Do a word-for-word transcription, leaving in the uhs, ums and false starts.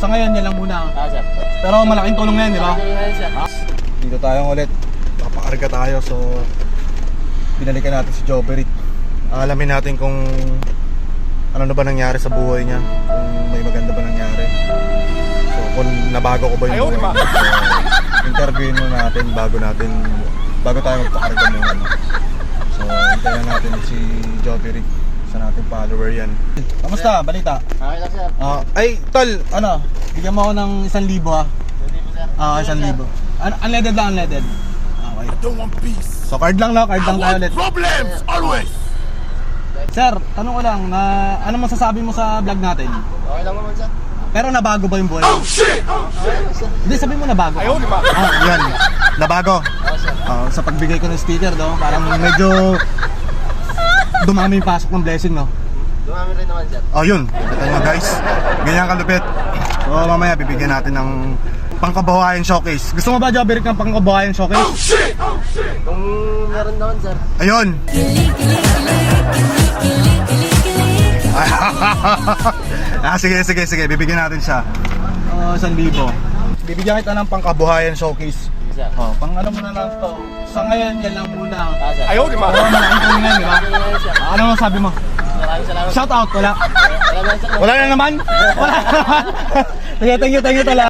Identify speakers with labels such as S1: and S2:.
S1: sa ngayon yan lang muna.
S2: Ah, sir.
S1: Pero malaking tulong na yan, di ba?
S2: Sir.
S1: Dito tayo ulit. Papakarga tayo, so binalikan natin si Joberick. Alamin natin kung ano na ba nangyari sa buhay niya, kung may maganda ba nangyari. So kung nabago ko ba yung buhay niya. So, interviewin mo natin bago natin bago tayo magpakarga muna. So hintayin natin si Joberick, sa nating follower yan. Kamusta? Balita?
S2: Okay lang, sir.
S1: Ah, ay, tol, ano? Bigyan mo ako ng isang libo ha.
S2: Hindi po, sir.
S1: Ah, isang libo. Un- unleaded lang, unleaded. Okay.
S3: I don't want peace.
S1: So card lang no, card
S3: I
S1: lang tayo
S3: want
S1: ulit.
S3: problems always.
S1: Sir, tanong ko lang na ano masasabi mo sa vlog natin?
S2: Okay lang naman, sir.
S1: Pero nabago ba yung buhay?
S3: Oh shit!
S2: Okay lang, sir.
S1: Hindi, sabi mo nabago.
S3: Ayaw, di ba?
S1: Ah, yan. Nabago.
S2: Okay, sir.
S1: Ah, sa pagbigay ko ng sticker, no? Parang medyo dumami yung pasok ng blessing, no?
S2: Dumami rin naman, sir.
S1: Oh, yun. Kita nyo guys. Ganyan kalupit. So mamaya bibigyan natin ng pangkabuhayan showcase. Gusto mo ba, Joberick, ng pangkabuhayan showcase?
S3: Oh shit! Oh shit!
S2: Kung meron naman, sir.
S1: Ayun. Ah, sige, sige, sige. Bibigyan natin siya. Oh, isang libo. Bibigyan kita ng pangkabuhayan showcase.
S2: Sige, sir.
S1: Oh, pang ano mo na lang to. Sa ngayon, yan lang muna.
S2: Ah, sir.
S3: Ayaw, di ba?
S1: Pero malaking tulong na yan, di ba?
S2: Okay lang, sir.
S1: Ah, ano masabi mo?
S2: Maraming salamat.
S1: Shout out, wala.
S2: Wala naman, sir.
S1: Wala na naman? Wala na naman. Sige, thank you, thank you talaga.